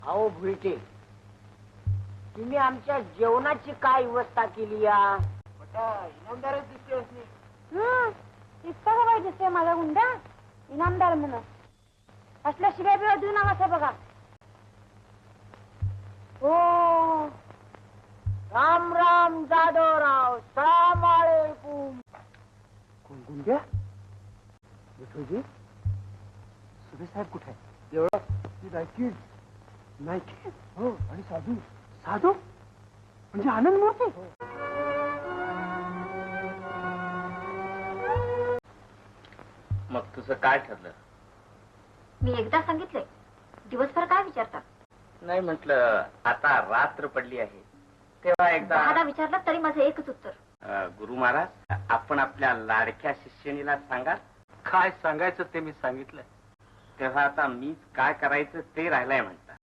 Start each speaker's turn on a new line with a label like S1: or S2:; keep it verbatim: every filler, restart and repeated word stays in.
S1: अहो भुलटे, तुम्ही आमच्या जेवणाची काय व्यवस्था केली या? इनामदारच दिसते असली.
S2: इतका का पाहिजे दिसतोय माझा गुंडा इनामदार म्हणून. असल्या शिवाय बिवा देऊ नका बघा. हो
S1: राम राम जाधवराव, सलाम अलैकुम. कोण गुंड्या? विठोजी, सुभे साहेब कुठे आहे? देवळात. ती नायकी नायकी हो, आणि साधू. साधू म्हणजे आनंद मूर्ती.
S3: मग तुझं काय ठरलं?
S2: मी एकदा सांगितलंय, दिवसभर काय विचारतात?
S3: नाही म्हटलं, आता रात्र पडली आहे तेव्हा एकदा
S2: दहादा विचारलं तरी माझं एकच उत्तर.
S3: अ, गुरु महाराज, आपण आपल्या लाडक्या शिष्यनीला सांगा.
S4: काय सांगायचं ते मी सांगितलं.
S3: तेव्हा आता मी काय करायचं ते राहिलंय म्हणता.